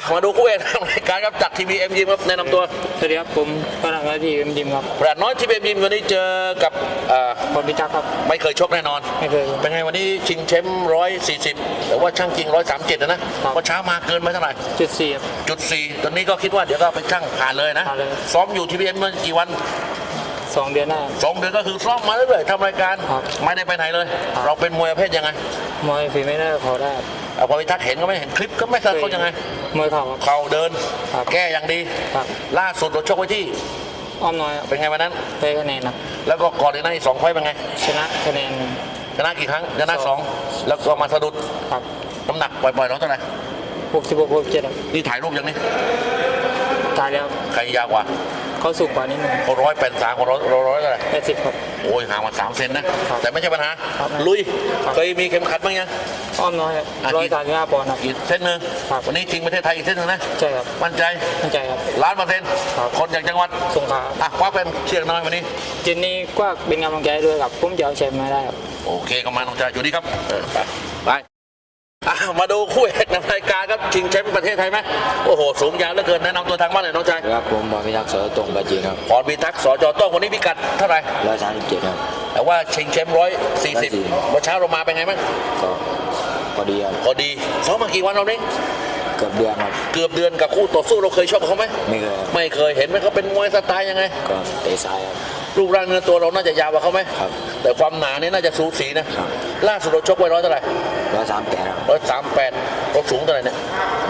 มาดูคู่เอกรายการครับจากทีวีเอ็มยิมครับแนะนำตัวสวัสดีครับผมพลังงานที่เอ็มยิมครับปราดน้อยทีวีเอ็มยิมวันนี้เจอกับพรพิทักษ์ครับไม่เคยชกแน่นอนไม่เคยเป็นไงวันนี้ชิงแชมป์140แต่ว่าช่างจริง137นะว่าเช้ามาเกินไปเท่าไหร่จุด 4ครับตอนนี้ก็คิดว่าเดี๋ยวก็ไปช่างผ่านเลยนะซ้อมอยู่ทีวีเอ็มมากี่วัน 2 เดือนหน้า 2 เดือนก็คือซ้อมมาเรื่อยๆทำรายการไม่ได้ไปไหนเลยเราเป็นมวยประเภทยังไงมวยฝีไม่ได้ขอได้พอไปทักเห็นก็ไม่เห็นคลิปก็ไม่เคยเขายังไงมวยเข่าเดินแก้อย่างดีล่าสุดเราชกไว้ที่อ้อมน้อยเป็นไงวันนั้นได้คะแนนครับแล้วก็ก่อนในนั้นอีก2 ไฟล์เป็นไงชนะคะแนนชนะกี่ครั้งชนะ2แล้วก็มาสะดุดน้ำหนักปล่อยๆน้องเท่าไหร่ 66 67 นี่ถ่ายรูปยังนี่ถ่ายแล้วใครยาวกว่าเขาสูงกว่านิดนึงเขา183เขาร้อยเท่าไหร่ 80ครับโอ้ยห่างมา3 เซนนะแต่ไม่ใช่ปัญหาลุยเคยมีเข็มขัดบ้างยังอ้อมน้อย135 ปอนด์ครับอีกเส้นหนึ่งวันนี้ชิงประเทศไทยอีกเส้นหนึ่งนะใช่ครับมั่นใจครับ 1,000,000%คนจากจังหวัดสงขลาคว้าเป็นเชียงน้อยวันนี้เจนนี่ก็เป็นกำลังใจด้วยครับผมจะเอาแชมป์มาได้ครับโอเคก็มาน้องชายอยู่ดีครับไปมาดูคู่เอกในรายการครับชิงแชมป์ประเทศไทยไหมโอ้โหสูงยาวเหลือเกินแนะนำตัวทางบ้านเลยน้องชายครับผมพรพิทักษ์สจตรงปราจีนครับพรพิทักษ์สจตรงวันนี้พิกัดเท่าไหร่ 137ครับแต่ว่าชิงแชมป์140วันเช้าเรามาเป็นไงบ้างก็พอดีครับพอดีซ้อมมากี่วันเราเนี่ยเกือบเดือนครับเกือบเดือนกับคู่ต่อสู้เราเคยชกเขาไหมไม่เคยเห็นไหมเขาเป็นมวยสไตล์ยังไงก็เตะซ้ายครับรูปร่างเนื้อตัวเราน่าจะยาวกว่าเขาไหมครับแต่ความหนานี่น่าจะสูสีนะล่าสุดเราชกไว้เท่าไหร่ 138ครับ 138เราสูงเท่าไหร่เนี่ย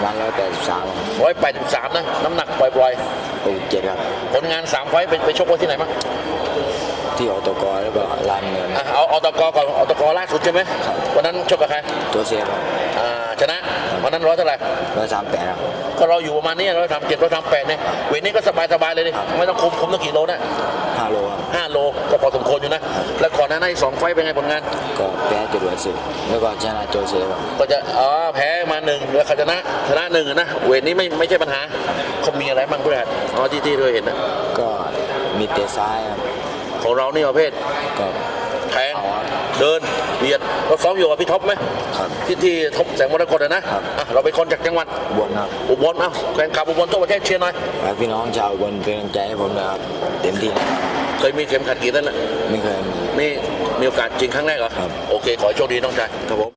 183 นะน้ำหนักปล่อย 67ครับผลงาน3 ไฟล์ไปชกไว้ที่ไหนบ้างที่อตกหรือเปล่าลานเงินเอาอตกก่อนอตกล่าสุดใช่ไหมวันนั้นชกกับใครตัวเสียครับชนะวันนั้นเท่าไหร่ 138ครับก็เราอยู่ประมาณนี้137 138เนี่ยเวทนี้ก็สบายเลยดิไม่ต้องคุมต้องกี่โลนะ 5 โลครับ 5 โลก็พอสมควรอยู่นะแล้วก่อนหน้านั้นอีก2 ไฟล์เป็นไงผลงานก็แพ้จรวดศึกแล้วก็ชนะตัวเสียครับก็จะแพ้มา1แล้วเขาชนะ1นะเวทนี้ไม่ใช่ปัญหาเขามีอะไรบ้างเพื่อนที่ด้วยเห็นนะก็มีเตะซ้ายครับของเรานี่ประเภทก็แทงเดินเบียดเราซ้อมอยู่กับพี่ท็อปไหมที่ท็อปแสงมรกตนะเราเป็นคนจากจังหวัดอุบลแฟนคลับอุบลทั่วประเทศเชียร์หน่อยฝากพี่น้องชาวอุบลเป็นกำลังใจให้ผมนะครับเต็มที่เคยมีเข็มขัดกี่เส้นนะไม่เคยมีโอกาสจริงครั้งแรกเหรอโอเคขอโชคดีน้องชายครับผม